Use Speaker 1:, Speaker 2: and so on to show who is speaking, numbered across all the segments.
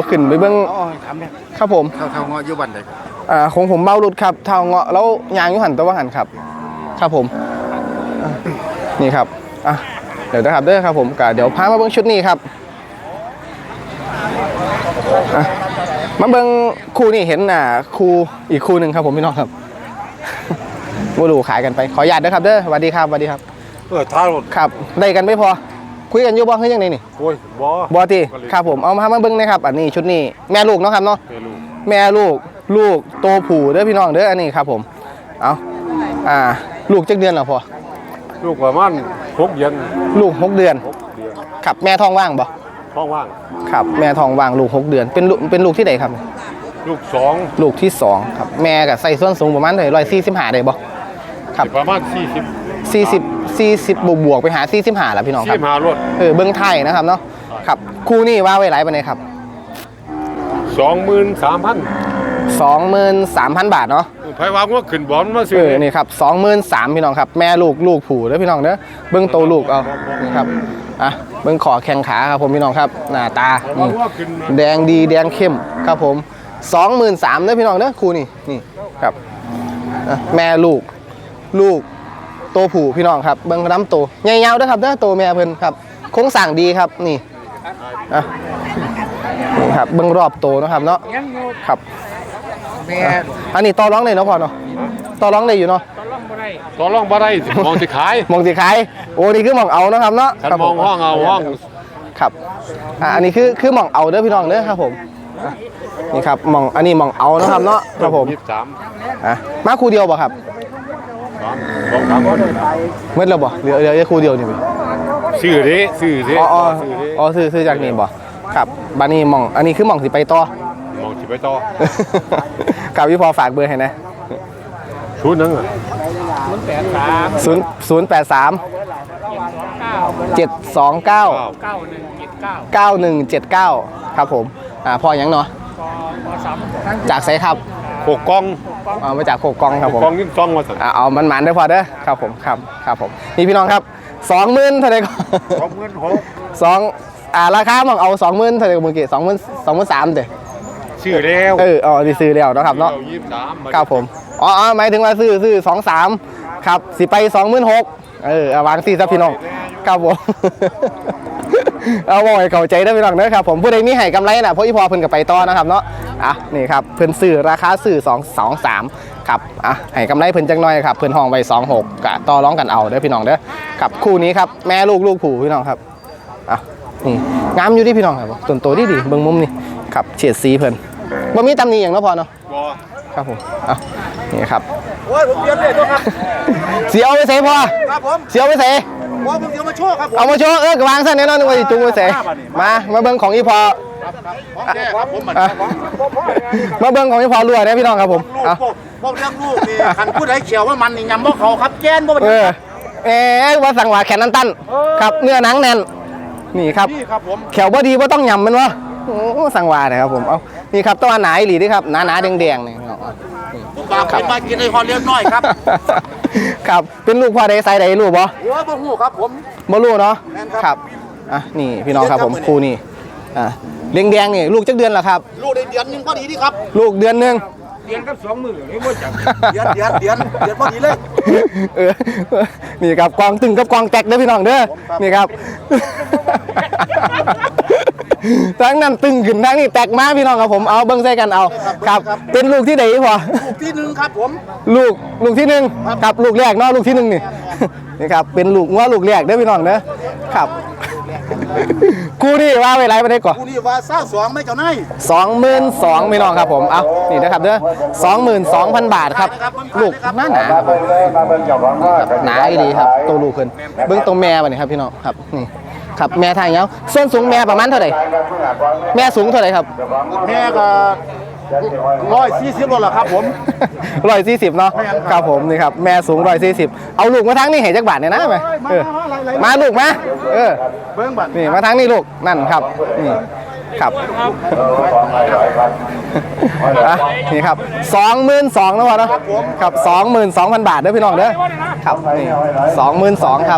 Speaker 1: ขึ้นไปเบิ้งครับผม
Speaker 2: เท่าเงาะอยู่บ้านใด
Speaker 1: ของผมเมารุดครับเท่าเงาะแล้วยางยุหันตัวว่าหันครับครับผมนี่ครับเดี๋ยวนะครับเด้อครับผมก็เดี๋ยวพามาเบิ้งชุดนี้ครับมาเบิ้งคู่นี่เห็นคู่อีกคู่หนึ่งครับผมพี่น้องครับบูรูขายกันไปขออนุญาตด้วยครับเด้อสวัสดีครับสวัสดีครับ
Speaker 2: ท้ารถ
Speaker 1: ครับได้กันไม่พอคุยกันอยู่บ่คือยังไงนี่
Speaker 2: โอ้ย
Speaker 1: บ่ตีครับผมเอามาเบิ้งนะครับอันนี้ชุดนี้แม่ลูกเนาะครับเนาะแม่ลูกโตผู้เด้อพี่น้องเด้ออันนี้ครับผมเอาลูกจักเดือนหรอพอ
Speaker 2: ลูกประมาณ6 เดือน
Speaker 1: ลูก6 เดือนครับแม่ท้องว่างบ่
Speaker 2: ท้องว่าง
Speaker 1: ครับแม่ท้องว่างลูก6 เดือนเป็นลูกที่ไหนครับ
Speaker 2: ลูก
Speaker 1: ที่2ครับแม่กับใส่ส้นสูงประมาณเท่าไหร่145ได้บ่ครับ
Speaker 2: ประมาณ
Speaker 1: 40บวกไปหา45แล้วพี่น้องครับ
Speaker 2: 45รถ
Speaker 1: เบิ้งไทยนะครับเนาะครับคู่นี้ว่าไว้หลายปานใดครับ23,000 บาทเนาะ
Speaker 2: ไผวางว่าขึ้นบอลมาซื้อ
Speaker 1: นี่ครับ23,000พี่น้องครับแม่ลูกผู้เด้อพี่น้องเด้อเบิ้งโตลูกเอานี่ครับเบิ้งขอแข้งขาครับผมพี่น้องครับหน้าตาแดงดีแดงเข้มครับผม23,000เด้อพี่น้องเด้อคู่นี่ครับแม่ลูกโตผู้พี่น้องครับเบิ้งน้ำโตใหญ่ยาวเด้อครับเด้อโตแม่เพิ่นครับโครงสร้างดีครับนี่นี่ครับเบิ้งรอบโตนะครับเนาะครับอันนี้ต่อร้องได้เนาะพ่อเนาะต่อร้องได้อยู่เนาะ
Speaker 2: ต่อร้องบ่ได้มองสิขาย
Speaker 1: โอ้นี่คือหม่องเอานะครับเนาะ
Speaker 2: มองห้องเอาห้อง
Speaker 1: ครับอันนี้คือหม่องเอาเด้อพี่น้องเด้อครับผมนี่ครับอันนี้หม่องเอานะครับเนาะครับผมมาคู่เดียวป่ะครับเมื่อเราบ่เหลือคู่เดียวนี่
Speaker 2: ซื้อดิ
Speaker 1: อ๋อซื้อจากนี่บ่ครับบ้านนี้อันนี้คือหม่องสิไปต่อกับพี่พอฝากเบอร์ให้นะ083 729 ครับผมพอยังเนาะจากไซครับ
Speaker 2: 6 กอง
Speaker 1: มาจาก6 กองครับผม
Speaker 2: กองยิ่งต้องมาสั่ง
Speaker 1: เอามันได้พอเด้อครับผมครับผมนี่พี่น้องครับ 20,000เท่าไหร่ก็ราคาหม่องเอา 20,000เท่าไหร่เมื่อกี้23,000เด้อ
Speaker 2: ซื้อแล้ว
Speaker 1: ดีซื้อแล้วนะครับเนาะครับผมหมายถึงว่าซื้อ23ครับสิไป26,000วาง4ซะพี่น้องครับผมเอาบ่ให้เข้าใจได้พี่น้องนะครับผมผู้ใดมีให้กำไรน่ะเพราะอีพอเพิ่นก็ไปต่อนะครับเนาะนี่ครับเพิ่นซื้อราคาซื้อ223ครับให้กำไรเพิ่นจังน้อยครับเพิ่นห้องไว้26ก็ต่อรองกันเอาเด้อพี่น้องเด้อครับคู่นี้ครับแม่ลูกผู้พี่น้องครับนี่งามอยู่ดิพี่น้องครับต้นโตดีเบิ่งมุมนี่ครับเฉดสีเพิ่นบ่มีตำหนิอย่างเนาะพอเนาะครับผมนี่ครับ
Speaker 3: โอ้ยผมเตรียมเลยตัวครับ
Speaker 1: เสียเอาไปเสพอ
Speaker 3: ครับผม
Speaker 1: เสียเอาไปเส
Speaker 3: ผมเดี๋ยวมาโชว์ครับ
Speaker 1: เอามาโชว์กระวางสั้นแน่นอนนึกว่าจุงไปเสมาเบิ่งของอีพอมาเบิ่งของอีพอรวยนะพี่น้องครับผม
Speaker 3: พวกเรื่องลูกนี่ขันพูดให้เขียวว่ามันนี่ยำบ่เขาครับแกนบ่เป็น
Speaker 1: ว่าสั่งว่าแขนตันครับเนื้อหนังแน่นนี่ครับแขวบ่ดีว่าต้องยำมันวะสั่งว่านะครับผมนี่ครับตัวหนาหลีนี่ครับหนาแดงๆนี่
Speaker 3: ปากเป็นมากินในคอเลี้ยงน้อยครับ
Speaker 1: ครับเป็นลูกพ่อใดไซใดลูกบ่
Speaker 3: บ่ฮู้ครับผม
Speaker 1: บ่รู้เนาะครับนี่พี่น้องครับผมครูนี่แดงนี่ลูกจักเดือนละครับ
Speaker 3: ลูกได้เดือนนึงพอดีนี่ครับ
Speaker 1: ลูกเดือนนึง
Speaker 3: เดือนกับ2 มื้อนี่บ่จังเดือนพอดีเลย
Speaker 1: นี่ครับกองตึงกับกองแตกเด้อพี่น้องเด้อนี่ครับทั้งนั้นตึงขึ้นทั้งนี้แตกมาพี่น้องครับผมเอาเบิ้งใส่กันเอาครับเป็นลูกที่ไหนพอ
Speaker 3: ลูกที่1ครับผม
Speaker 1: ลูกที่1ครับลูกแรกเนาะลูกที่1นี่ครับเป็นลูกลูกแรกเด้อพี่น้องเด้อครับกูนี่ว่าไว้ไรมาได้ก่อน
Speaker 3: กูนี่ว่า22ไม่เจ้านาย
Speaker 1: 22,000พี่น้องครับผมเอานี่นะครับเด้อ22,000 บาทครับลูกหนาหนาดีครับตัวลูกเพิ่นเบิ้งตรงแม่บ่นี่ครับพี่น้องครับนี่ครับแม่ทางเงาส่วนสูงแม่ประมาณเท่าไหร่แม่สูงเท่าไหร่ครับ
Speaker 3: แม่ก็140โลละครับผม
Speaker 1: 140เนาะครับผมนี่ครับแม่สูง140เอาลูกมาทั้งนี่เห็นจักบาทเนี่ยนะไหมมาลูกมา
Speaker 3: เบิ้งบัตร
Speaker 1: นี่มาทั้งนี่ลูกนั่นครับนี่ครับนี่ครับ22,000นะวะเนาะครับ22,000 บาทเด้อพี่น้องเด้อครับนี่22,000ครับ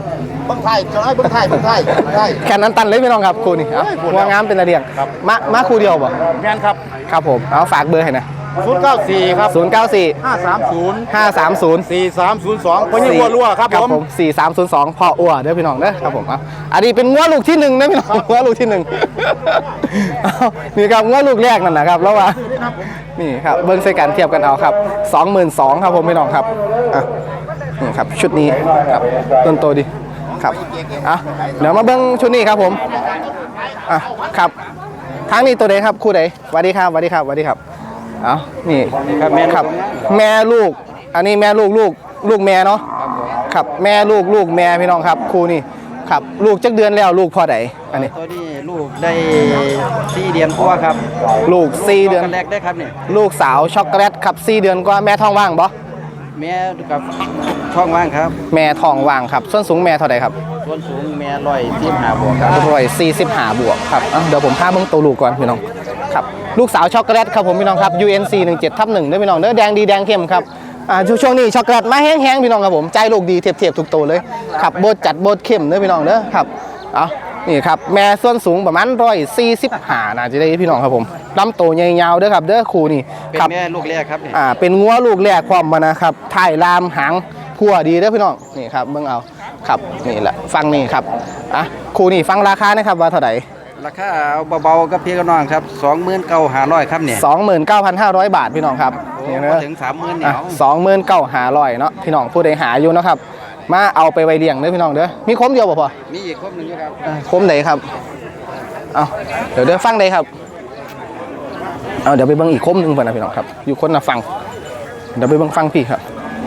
Speaker 3: เบิ้งไทยจะให้เบิ้งไทย
Speaker 1: แค่นั้นตันเลยพี่น้องครับครูนี่เอาหัวงามเป็นระเดียงมาครูเดียวบ่
Speaker 3: แม่นครับ
Speaker 1: ครับผมเอาฝากเบอร์ให้นะ
Speaker 3: 094ครับ
Speaker 1: 094
Speaker 3: 530
Speaker 1: 530
Speaker 3: 4302คนยังรัวครับผม
Speaker 1: 4302พ่ออ้วเด้อพี่น้องเด้อครับผมอ่ะอันนี้เป็นงัวลูกที่1นะพี่น้องงัวลูกที่1เอานี่ครับงัวลูกแรกนั่นนะครับแล้วว่านี่ครับเบิ้งใส่กันเทียบกันเอาครับ 22,000ครับผมพี่น้องครับอ่ะนี่ครับชุดนี้ครับต้นโตดีครับอ่ะเดี๋ยวมาเบิ้งชุดนี้ครับผมอ่ะครับทางนี้ตัวใดครับคู่ใดสวัสดีครับสวัสดีครับสวัสดีครับเอานี่ครับแม่ครับแม่ลูกอันนี้แม่ลูกแม่เนาะครับแม่ลูกแม่พี่น้องครับคู่นี้ครับลูกจักเดือนแล้วลูกพ่อใดอันนี้
Speaker 4: ตัวนี้ลูกได้4 เดือนกว่าครับ
Speaker 1: ลูก4 เดือน
Speaker 4: กันแรกได้ครับเนี่ย
Speaker 1: ลูกสาวช็อกโกแลตครับ4 เดือนกว่าแม่ท้องว่างบ่
Speaker 4: แม่กับช่องว่างครับ
Speaker 1: แม่ท้องว่างครับส่วนสูงแม่เท่าใดครับ
Speaker 4: ส่วนสูงแม่145 บวกครับ
Speaker 1: 145 บวกครับเดี๋ยวผมพาเบิ่งตัวลูกก่อนพี่น้องครับลูกสาวช็อกโกแลตครับผมพี่น้องครับ UNC 17/1เด้อพี่น้องเด้อแดงดีแดงเข้มครับช่วงนี้ช็อกโกแลตมาแห้งๆพี่น้องครับผมใจลูกดีเทียบทุกตัวเลยครับโบดจัดโบดเข้มเด้อพี่น้องเด้อครับเอานี่ครับแม่ส่วนสูงประมาณ145น่าจะได้พี่น้องครับผมลำตัวใหญ่ยาวเด้อครับเด้อคู่นี่
Speaker 4: เป็น
Speaker 1: ครับ
Speaker 4: แม่ลูกแรกครับเนี่ย
Speaker 1: เป็นงัวลูกแรกความมานะครับถ่ายลามหางพัวดีเด้อพี่น้องนี่ครับเบิ่งเอาครับนี่แหละฟังนี่ครับคู่นี่ฟังราคานะครับว่าเท่าไหร่
Speaker 4: ราคาเอาเบาๆกับพี่กับน้องครับ29,500ครับเนี่ย
Speaker 1: 29,500 บาทพี่น้องครับ
Speaker 4: โอ้
Speaker 1: นี่
Speaker 4: บ่
Speaker 1: นะ
Speaker 4: ถึง 30,000เนี่ย
Speaker 1: 29,500เนาะพี่น้องผู้ใดหาอยู่นะครับมาเอาไปไว้เลี้ยงเด้อพี่น้องเด้อมีคมเดียวบ่พอ
Speaker 4: มีอีกครบหนึงอยู่ครับ
Speaker 1: คมไหนครับเอาเดี๋ยวฟังใดครับเอาเดี๋ยวไปเบิ่งอีกคมหนึงเพิ่นนะพี่น้องครับอยู่คนละฟังเดี๋ยวไปเบิ่งฟังพี่ครับ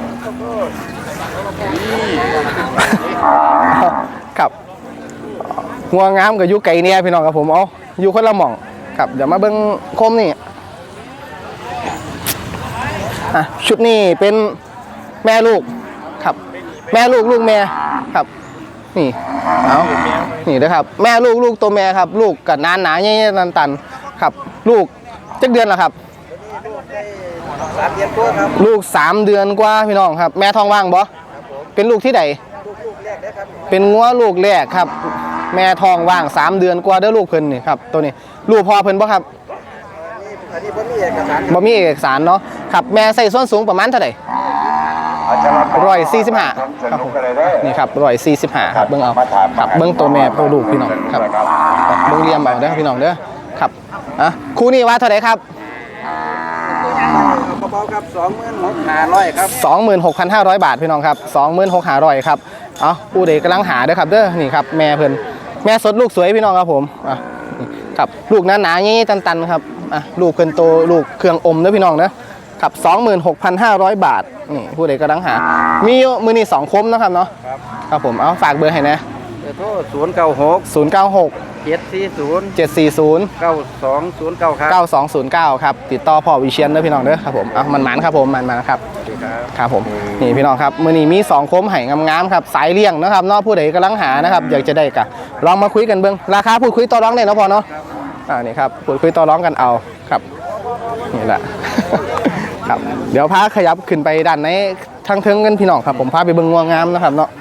Speaker 1: ครับงัวงามกับยุไก่เนี่ยพี่น้องครับผมเอาอยู่คนละหม่องครับเดี๋ยวมาเบิ่งคมนี่ชุดนี้เป็นแม่ลูกครับแม่ลูกแม่ครับนี่เอานี่นะครับแม่ลูกตัวแม่ครับลูกกับนานหนาใหญ่ๆตันๆครับลูกจักเดือนละครับ
Speaker 4: 3 เดือนกว่าครับ
Speaker 1: ลูก3 เดือนกว่าพี่น้องครับแม่ท้องว่างบ่เป็นลูกที่ใดเป็นงัวลูกแรกครับแม่ท้องว่าง3 เดือนกว่าเด้อลูกเพิ่นนี่ครับตัวนี้ลูกพ่อเพิ่นบ่ครับ
Speaker 4: อันนี้บ่มีเอกสาร
Speaker 1: บ่มีเอกสารเนาะครับแม่ใส่ส้นสูงประมาณเท่าไหร่145ครับผมนี่ครับ145ครับเบิ่งเอาครับเบิ่งตัวแม่ตัวลูกพี่น้องครับเบิ่งเรียมเอาเด้อพี่น้องเด้อครับคู่นี้ว่าเท่าไหร่ครับ
Speaker 4: เบาๆครับ26,500ครับ
Speaker 1: 26,500 บาทพี่น้องครับ 26,500ครับเอาผู้ใดกำลังหาเด้อครับเด้อนี่ครับแม่เพิ่นแม่สดลูกสวยพี่น้องครับผมครับลูกหนาๆงี้ตันๆครับลูกเพิ่นโตลูกเครื่องอมเด้อพี่น้องนะครับ 26,500 บาทนี่ผู้ใดกำลังหามีมื้อนี้2คมนะครับเนาะครับผมเอาฝากเบอร์ให้นะ
Speaker 4: เบอร์โทร096
Speaker 1: 096
Speaker 4: 740
Speaker 1: 740
Speaker 4: 9209ครับ
Speaker 1: 9209ครับติดต่อพ่อวิเชียนเด้อพี่น้องเด้อครับผมมันหมันครับผมมันครับครับผมนี่พี่น้องครับมื้อนี้มี2โคมไห่งามๆครับสายเลี้ยงนะครับเนาะผู้ใดกำลังหานะครับอยากจะได้กะลองมาคุยกันเบิ่งราคาพูดคุยต่อรองได้เนาะพอเนาะนี่ครับพูดคุยต่อรองกันเอาครับนี่แหละ ครับเดี๋ยวพาขยับขึ้นไปด้านในทางเทิงกันพี่น้องครับผมพาไปเบิ่งงัวงามนะครับเนาะ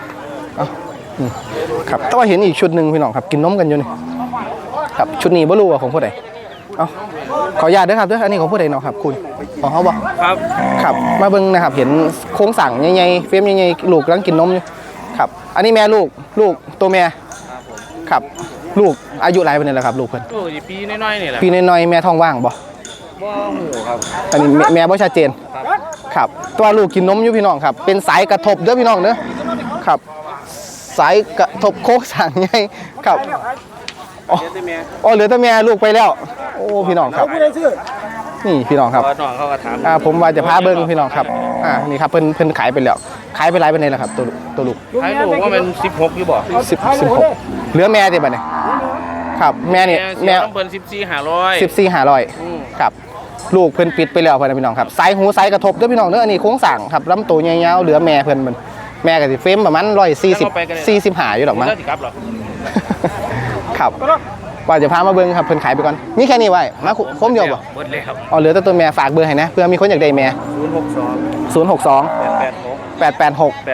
Speaker 1: ครับแต่ว่าเห็นอีกชุดหนึ่งพี่น้องครับกินนมกันอยู่นี่ครับชุดนี้บ่รู้ว่าของผู้ใดขออนุญาตด้วยครับเด้ออันนี้ของผู้ใดเนาะครับคุณของเขาบอกครับครับมาเบิ่งนะครับเห็นโครงสั่งใหญ่ๆเฟรมใหญ่ๆลูกกำลังกินนมอยู่ครับอันนี้แม่ลูกตัวแม่ครับลูกอายุหลายปานนี้แล้วครับลูกเพิ่น
Speaker 5: ปีน้อยๆนี่แหละ
Speaker 1: ปีน้อยๆแม่ท้องว่างบ่
Speaker 5: หูครับ
Speaker 1: อันนี้แม่บ่ชัดเจนครับตัวลูกกินนมอยู่พี่น้องครับเป็นสายกระทบเด้อพี่น้องเด้อครับสายกระทบโคกสั่งใหญ่ครับอ๋อเหลือแต่แม่ลูกไปแล้วโอ้พี่น้องครับนี่พี่น้องครับ
Speaker 5: น้องเขาก็ถาม
Speaker 1: ผมว่าจะพาเบิ้งพี่น้องครับนี่ครับเพิ่นขายไปแล้วขายไปหลายปานใดแล้วครับตัวลูก
Speaker 5: ให้ลูกว่ามัน16อยู่บ่
Speaker 1: 16เหลือแม่ติบัดนี้ครับแม่นี่แม่
Speaker 5: ต้องเพิ่น14
Speaker 1: 14,500ครับลูกเพิ่นปิดไปแล้วพ่อนะพี่น้องครับสายหูสายกระทบเด้อพี่น้องเด้ออันนี้โค้งสั่งครับลำตัวยาวๆเหลือแม่เพิ่นมันแม่ก็สิเฟรมประมาณ145อยู่ดอกมั้ง
Speaker 5: แล้วสิกลับหรอ
Speaker 1: ครับว่าจะพามาเบิ้งครับเพิ่นขายไปก่อนนี่แค่นี้ไว้มาคมเดียวบ่
Speaker 5: หมดเลยครับ
Speaker 1: อ๋อเหลือแต่ตัวแม่ฝากเบอร์ให้นะเพื่อมีคนอยากได้แม่
Speaker 5: 062
Speaker 1: 062 886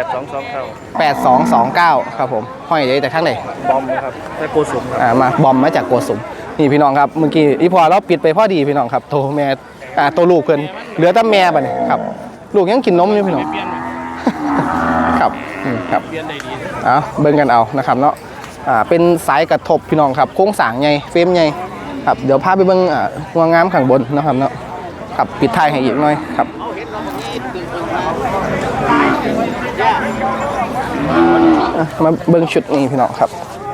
Speaker 1: 8229ครับผมห้อยใหญ่แต่ข้างไหน
Speaker 5: บอมนะครับแต่โกสุมครับ
Speaker 1: มาบอมมาจากโกสุมนี่พี่น้องครับเมื่อกี้อีพอเราปิดไปพอดีพี่น้องครับโตแม่ตัวลูกเพิ่นเหลือแต่แม่บัดนี้ครับลูกยังกินนมอยู่พี่น้องครับครับเอาเบิ่งกันเอานะครับเนาะเป็นสายกระทบพี่น้องครับโค้งสร้างใหญ่เฟรมใหญ่ครับเดี๋ยวพาไปเบิ่งงวงงามข้างบนนะครับเนาะครับปิดท้ายให้อีกหน่อยครับมาเบิ่งชุดนี้พี่น้องครับ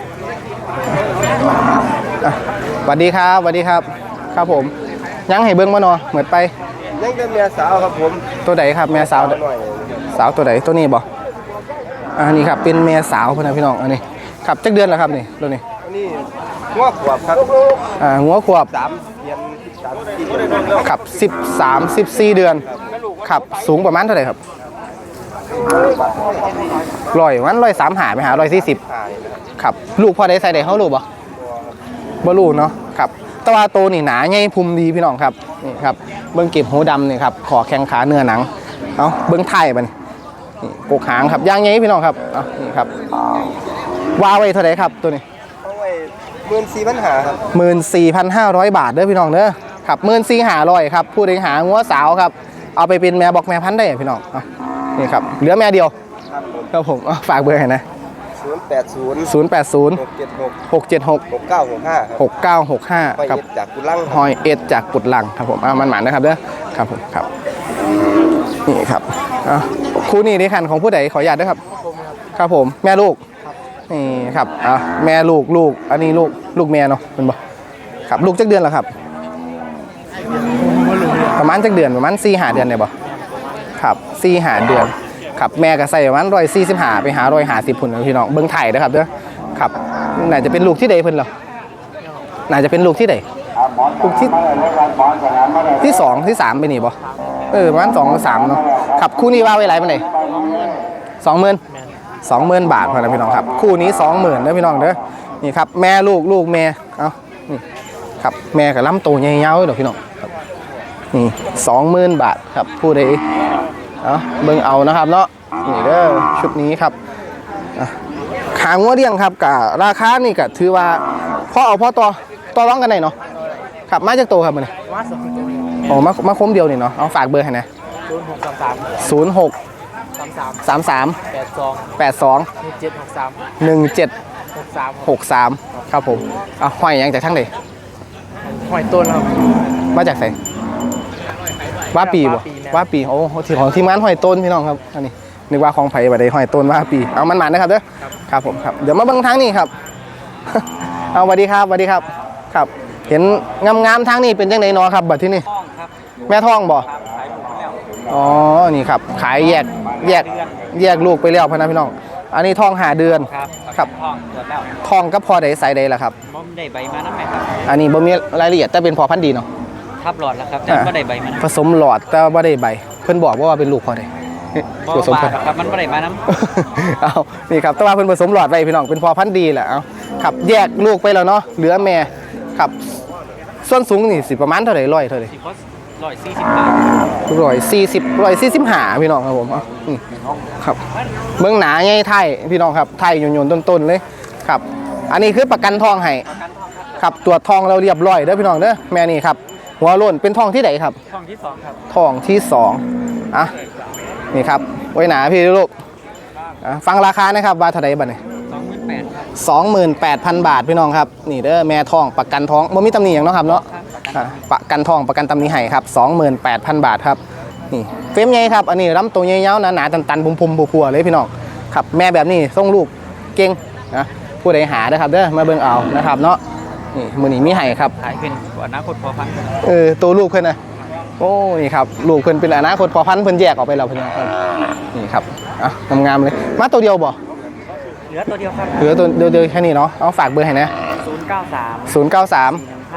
Speaker 1: สวัสดีครับสวัสดีครับครับผมยังให้เบิ่งมาเนาะเหมือนไป
Speaker 4: ยังเป็นเมียสาวครับผม
Speaker 1: ตัวไหนครับแม่สาวสาวตัวไหนตัวนี้บ่อันนี้ครับเป็นแม่สาวพี่นะพี่น้องอันนี้ครับจักเดือนแล้วครับนี่ตัวนี้
Speaker 4: อันนี้หัวขวบครับ
Speaker 1: หัวขวบ
Speaker 4: 3 เดือน3 4 เดือน
Speaker 1: ครับ14 เดือนครับสูงประมาณเท่าไหร่ครับ135ไปหา140ครับลูกพอได้ใส่ได้เฮาลูกบ่ลูกเนาะครับแต่ว่าโตนี่หนาใหญ่พุมดีพี่น้องครับนี่ครับเบิ่งเก็บหูดำนี่ครับขอแข้งขาเนื้อหนังเอาเบิ่งไทยบัดนี่กกหางครับย่างใหญ่พี่น้องครับเอานี่ครับว่าไว้เท่าไหร่ครับตัวนี้
Speaker 4: เอาไว้14,500ครับ
Speaker 1: 14,500 บาทเด้อพี่น้องเด้อครับ14,500ครับผู้ใดหางัวสาวครับเอาไปเป็นแม่บอกแม่พันธุ์ได้พี่น้องเอานี่ครับเหลือแม่เดียวครับผมเอาฝากเบอร์ให้นะ
Speaker 4: 080
Speaker 1: 080
Speaker 4: 676
Speaker 1: 676
Speaker 4: 6965
Speaker 1: 6965ครับ
Speaker 4: จากกุลัง
Speaker 1: หอยเอ็ดจากกุดลังครับผมมันหมานนะครับเด้อครับผมครับนี่ครับคู่นี้ในคันของผู้ใดขออนุญาตด้วยครับครับผมแม่ลูกนี่ครับแม่ลูกอันนี้ลูกแม่เนาะเป็นบ่ครับลูกจักเดือนแล้วครับประมาณจักเดือนประมาณ4-5 เดือนได้บ่ครับ4-5 เดือนครับแม่ก็ใส่ประมาณ145ไปหา150พุ่นพี่น้องเบิ่งไทยนะครับเด้อครับน่าจะเป็นลูกที่ใดเพิ่นเหรอน่าจะเป็นลูกที่ใดลูกที่2ที่3ไปนี่บ่ประมาณ2 หรือ 3เนาะครับคู่นี้ว่าไว้หลายปานใด20,000 บาทพอนะพี่น้องครับคู่นี้ 20,000เด้อพี่น้องเด้อนี่ครับแม่ลูกแม่เอานี่ครับแม่กับลำโตใหญ่ยาวเด้อพี่น้องครับนี่ 20,000 บาทครับผู้ใดเบิ่งเอานะครับเนาะนี่เด้อชุดนี้ครับขางัวเลี้ยงครับกับราคานี่ก็ถือว่าพอเอาพอต่อร้องกันได้เนาะครับมาจากโตครับมันนี่มาคมเดียวนี่เนาะเอาฝากเบอร์ให้นะ0633 82 1763ครับผมห้อยยังจากทั้งใด
Speaker 5: หอยต้นครับ
Speaker 1: มาจากไหนว่าปีบ่ว่าปีโอ้ที่ของทีมงานห้อยต้นพี่น้องครับอันนี้นึกว่าของไผ่บัดใดห้อยต้นว่าปีเอามันนะครับเด้อครับผมครับเดี๋ยวมาเบิ่งทางนี้ครับเอาสวัสดีครับสวัสดีครับครับเห็นงามๆทางนี้เป็นจังได๋เนาะครับบัดที่นี่แม่ท้องบ่อ๋อนี่ครับขายแยกลูกไปแล้วพ่อนะพี่น้องอันนี้ท้อง5 เดือนครับท้องก็พอได้ใส่ได้ล่ะครับ
Speaker 5: บ่ได้ใบมานำแม่ครับ
Speaker 1: อันนี้บ่มีรายละเอียดแต่เป็นพอพันธุ์ดีเนาะ
Speaker 5: ทับหลอดแล้วครับแต่บ่ได้ใบมัน
Speaker 1: ผสมหลอดแต่บ่ได้ใบเพิ่นบอกว่าเป็นลูกพอได้ผสมพันธุ์
Speaker 5: ครับมันบ่ได้มานำ
Speaker 1: เอานี่ครับแต่ว่าเพิ่นผสมหลอดไว้พี่น้องเป็นพอพันธุ์ดีแหละเอาครับแยกลูกไปแล้วเนาะเหลือแม่ครับส่วนสูงนี่สิประมาณเท่าไหร่100เท่าไหร่
Speaker 5: 140 บาท
Speaker 1: 145พี่น้องครับผมครับเบื้องหนาใหญ่ไทยพี่น้องครับไทยโยนต้นๆเลยครับอันนี้คือประกันทองให้ครับตรวจทองเราเรียบร้อยเด้อพี่น้องเด้อแม่นี่ครับหัวโล้นเป็นทองที่ไหนครับ
Speaker 5: ทองที่2ครับ
Speaker 1: ทองที่2นี่ครับไว้หนาพี่ลูกฟังราคานะครับว่าเท่าไหร่บัดนี้ 28,000 บาทพี่น้องครับนี่เด้อแม่ทองประกันทองบ่มีตำหนิอย่างเนาะครับเนาะประกันทองประกันตำหนิให้ครับ 28,000 บาทครับนี่เฟรมใหญ่ครับอันนี้ลำตัวใหญ่ๆหนาๆตันๆพุ่มๆพัวๆเลยพี่น้องครับแม่แบบนี้ส่งลูกเก่งนะผู้ใดหาเด้อครับเด้อมาเบิ่งเอานะครับเนาะนี่มื้อนี้มีให้ครับ
Speaker 5: ขายเป็นอนาคตพอพันธุ์
Speaker 1: ตัวลูกเพิ่นนะโอ้นี่ครับลูกเพิ่นเป็นอนาคตพอพันธุ์เพิ่นแยกออกไปแล้วพี่น้องนี่ครับงามๆเลยมาตัวเดียวบ่
Speaker 5: เหลือตัวเดียวครับ
Speaker 1: เหลือตัวเดียวแค่นี้เนาะเอาฝากเบอร์ให้นะ
Speaker 5: 093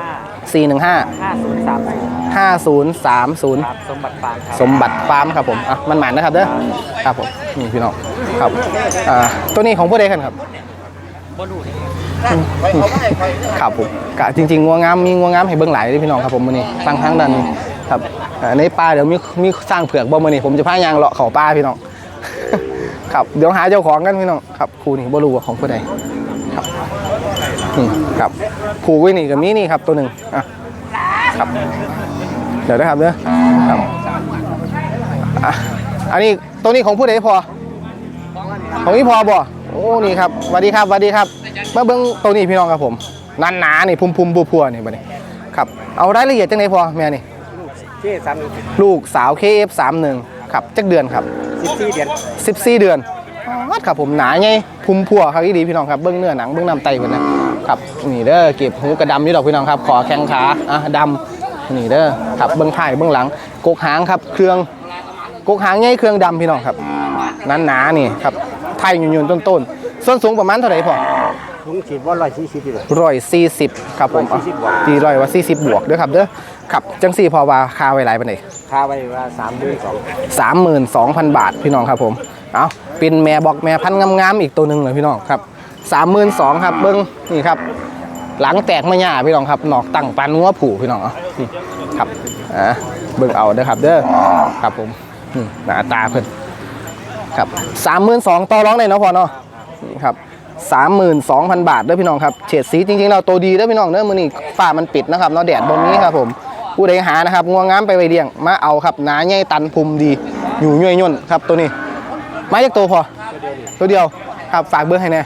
Speaker 1: 415 5030
Speaker 5: ครับสมบัติฟาร์มครับ
Speaker 1: สมบัติฟาร์มครับผมมันหมานนะครับเด้อครับผมนี่พี่น้องครับตัวนี้ของผู้ใดกันครับ
Speaker 5: บ่รู้เลย
Speaker 1: ครับผมกะจริงๆงัวงามมีงัวงามให้เบิ่งหลายเลยพี่น้องครับผมมื้อนี้ฟังทางด้านนี้ครับในป่าเดี๋ยวมีสร้างเผือกบ่มื้อนี้ผมจะพายางเลาะเข้าป่าพี่น้องครับเดี๋ยวหาเจ้าของกันพี่น้องครับครูนี่บ่รู้ว่าของผู้ใดครับนี่ครับครูไว้นี่กับนี้นี่ครับตัวหนึ่งอ่ะครับเดี๋ยวนะครับเด้อครับอ่ะอันนี้ตัวนี้ของผู้ใดพอของพี่พอบ่โอ้นี่ครับสวัสดีครับสวัสดีครับมาเบิ้งตัวนี้พี่น้องครับผมนันหนานี่พุ่มๆพัวๆนี่บัดนี้ครับเอารายละเอียดจังไหนพอแม่นี่ ลูกสาว KF31 ครับจักเดือนครับ14 เดือนครับผมหนาไงพุ่มพัวครับดีพี่น้องครับเบื้องเนื้อหนังเบื้องน้ำไตกันนะครับนี่เด้อเก็บหูกระดำอยู่ดอกพี่น้องครับขอแข้งขาดำนี่เด้อครับเบื้องท้ายเบื้องหลังกกหางครับเครื่องกกหางไงเครื่องดำพี่น้องครับนั้นหนานี่ครับไทยยืนต้นส่วนสูงประมาณเท่าไหร่พอ
Speaker 3: ลุงฉีดว่า140เลย
Speaker 1: 140ครับผมตี140บวกเด้อครับเด้อครับจังสี่พอว่าคาไว้หลายปานใด
Speaker 3: ค่าไว้ว่า
Speaker 1: 32,000 บาทพี่น้องครับผมเอาเป็นแม่บอกแม่พันธุ์งามๆอีกตัวหนึ่งเลยพี่น้องครับ32,000ครับเบิ้งนี่ครับหลังแตกมาหย่าพี่น้องครับหนอกตั้งปันงัวผูพี่น้องนี่ครับเบิ้งเอาเด้อครับเด้อครับผมหน้าตาเพิ่นครับ32,000ต่อร้องได้เนาะพอเนาะนี่ครับ32,000 บาทเด้อพี่น้องครับเฉดสีจริงๆเราตัวดีเด้อพี่น้องเด้อมื้อนี้ฟ้ามันปิดนะครับเนาะแดดบนนี้ครับผมผู้ใดหานะครับงัวงามไปไว้เลี้ยงมาเอาครับหนาใหญ่ตันพุมดีอยู่ย่อยย่นครับตัวนี้มาจากตัวพอตัวเดียวครับฝากเบอร์ให้แน่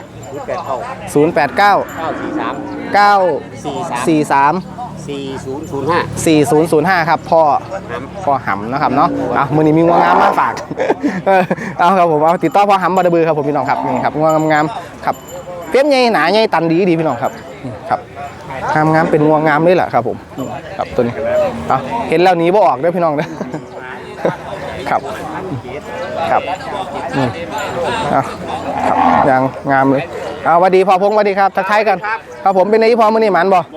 Speaker 1: 089 943 4005ครับพ่อหำนะครับเนาะมื้อนี้มีงัวงามมาฝากเอาครับผมเอาติดต่อพ่อหำบาดบือครับผมพี่น้องครับนี่ครับงัวงามๆครับเปี้ยมใหญ่หนาใหญ่ตันดีพี่น้องครับครับงามเป็นงัวงามเลยแหละครับผมครับตัวนี้เห็นแล้วหนีบ่ออกเด้อพี่น้องเด้อครับครับครับยังงามเลยสวัสดีพ่อพงศ์สวัสดีครับทักทายกันครับผมเป็นไงพ่อมื้อนี้หมันบ่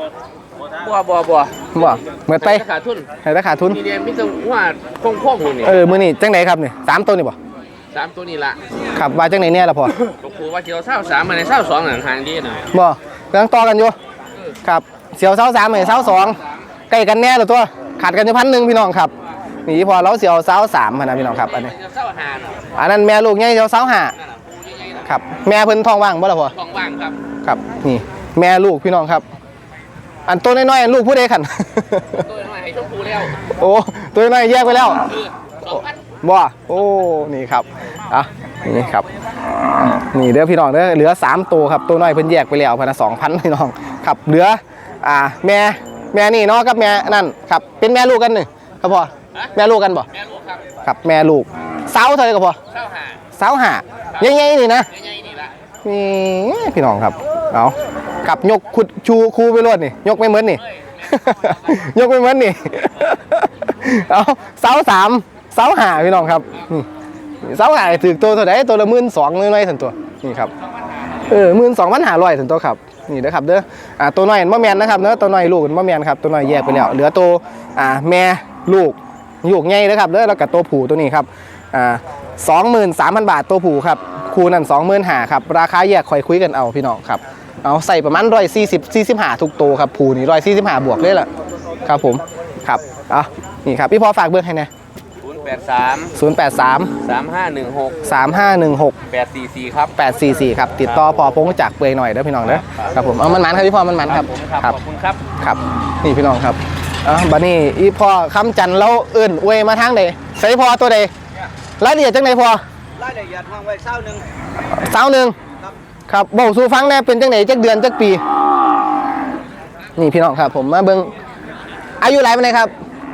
Speaker 1: เหมือนไป
Speaker 5: ขาดทุน
Speaker 1: ให้ได้ขาดทุน
Speaker 5: มีเดียมิตรว่าพงนี่
Speaker 1: มื้อนี้จังไหนครับนี่3ตัวนี่บ่
Speaker 5: 3ตัวนี่ละ
Speaker 1: ครับว่าจังไหนเนี่ยล่ะพ่อ
Speaker 5: ครูว่าเจียว23มาใน22นั่นทางดีหน่อย
Speaker 1: บ่กำลังต่อกันอยู่ครับเสียว23ให้22ใกล้กันแน่ละตัวขาดกันอยู่1,000พี่น้องครับนี่พอเราเสียว23นะพี่น้องครับอันนี้อันนั้นแม่ลูกใหญ่เสียว25ครับแม่เพิ่นท้องว่างบ่ล่ะพ่อ
Speaker 5: ท้องว่างครับ
Speaker 1: ครับนี่แม่ลูกพี่น้องครับอันตัวน้อยๆลูกผู้ใดขัน
Speaker 5: ตัวน้อยให้ชมพูแล้ว
Speaker 1: โอ้ตัวน้อยแยกไปแล้วบ่โอ้นี่ครับนี่ครับนี่เด้อพี่น้องเด้อเหลือ3ตัวครับตัวน้อยเพิ่นแยกไปแล้วพันละ 2,000 พี่น้องครับเหลือแม่นี่เนาะกับแม่นั่นครับเป็นแม่ลูกกันนี่ครับพ่อแม่ลูกกันบ่
Speaker 5: แม่ลูกครับ
Speaker 1: ครับแม่ลูกเสาเท่าไหร่กับพ่อ25ใหญ่ๆนี่นะนี่พี่น้องครับเอากับยกขุดชูคูไปรวดนี่ยกไม่เหมือนนี่ ยกไม่เหมือนนี่เอาเสา5พี่น้องครับเสา5ถือตัวเท่าไหร่ตัวละ12,000น้อยๆสันตัวนี่ครับ12,500สันตัวครับนี่เด้อครับเด้อตัวน้อยบ่แม่นนะครับเนาะตัวน้อยลูกบ่แม่นครับตัวน้อยแยกไปแล้วเหลือตัวแม่ลูกใหญ่เด้อครับเด้อแล้วก็ตัวผู้ตัวนี้ครับ23,000 บาทตัวผู้ครับคู่นั้น25,000ครับราคาแยกค่อยคุยกันเอาพี่น้องครับเอาใส่ประมาณ140-45ทุกตัวครับผู้นี่145บวกเลยล่ะครับผมครับนี่ครับพี่พอฝากเบอร์ให้นะ083 3516
Speaker 5: 844ครับ
Speaker 1: 844ครับติดต่อพอพงจากเปื่อยหน่อยเด้อพี่น้องเด้อครับผมมันครับพี่พอมันครับ
Speaker 5: ขอบคุณครับ
Speaker 1: ครับนี่พี่น้องครับบัดนี้อีพอคำจันแล้วเอิ้นอวยมาทางใดใส่พอตัวใดรายละเอียดจังไดพอ
Speaker 3: รายละเอียดวางไว้
Speaker 1: 21ครับบอกสู่ฟังแน่เป็นจังไหนจักเดือนจักปีนี่พี่น้องครับผมมาเบิ่งอายุหลายปานใดครับ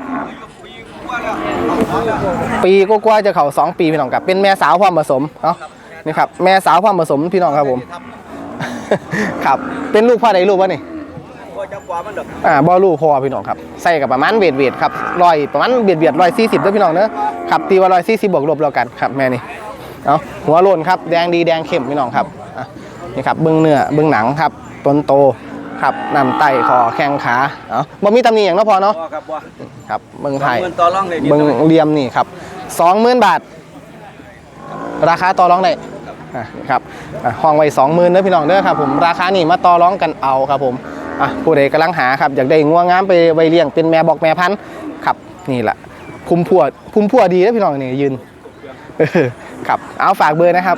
Speaker 1: ปีกว่าจะเข้า2 ปีพี่น้องครับเป็นแม่สาวพร้อมผสมนี่ครับแม่สาวพร้อมผสมพี่น้องครับผมครับเป็นลูกพ่อใดลูกวะนี่บ่ลูกพ่อพี่น้องครับใส่กับประมาณเวทครับประมาณเบียด140ด้วยพี่น้องเนอะครับตีว่า140บวกลบแล้วกันครับแม่นี่หัวโลนครับแดงดีแดงเข้มพี่น้องครับนี่ครับเบื้องเนื้อเบื้องหนังครับต้นโตครับนำไตคอแข้งขาบ่มีตำหนิอย่างเนาะพอเนาะครับเบื้องไทยเบื้องเลียมนี่ครับ20,000 บาทราคาต่อรองได้ครับห้องไว้20,000เด้อพี่น้องเด้อครับผมราคานี่มาต่อรองกันเอาครับผมผู้ใดกำลังหาครับอยากได้งัวงามไปไว้เลี้ยงเป็นแม่บอกแม่พันธุ์ครับนี่แหละพุ่มพัวดีนะพี่น้องนี่ยืนครับเอาฝากเบอร์นะครับ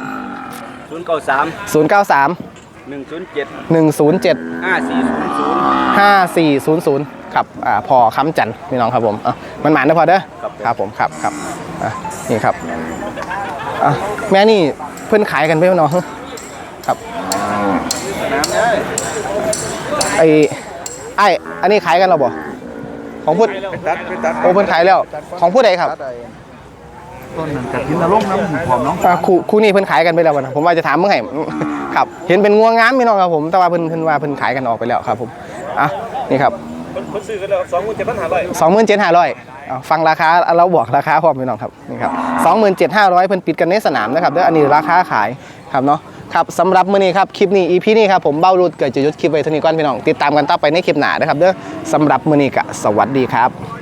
Speaker 4: 093
Speaker 1: 093
Speaker 4: 107
Speaker 1: 107 5400ครับพอค้ำจันทร์พี่น้องครับผมมันหมานนะพอเด้อครับผมครับนี่ครับแม่นี่เพื่อนขายกันไปเนาะครับอันนี้ขายกันเราบ่ของพูดโอ้เพื่อนขายแล้วของผู้ใดครับ
Speaker 3: ต้นนั้นกับพินลงน้ำหอมน้อง
Speaker 1: คู่นี้เพิ่นขายกันไปแล้วนะผมว่าจะถามเมื่อไหร่ครับเห็นเป็นงัวงามพี่น้องครับผมแต่ว่าเพิ่นว่าเพิ่นขายกันออกไปแล้วครับผมนี่ครับเพิ่นซื้อกันแล้ว27,500ฟังราคาเราบอกราคาพร้อมพี่น้องครับนี่ครับ27,500เพิ่นปิดกันในสนามนะครับอันนี้ราคาขายครับเนาะครับสำหรับมื้อนี้ครับคลิปนี้ EP นี้ครับผมเบ้ารุดเกิดจะยุดคลิปไว้เท่านี้ก่อนพี่น้องติดตามกันต่อไปในคลิปหน้านะครับเด้อสำหรับมื้อนี้ก็สวัสดีครับ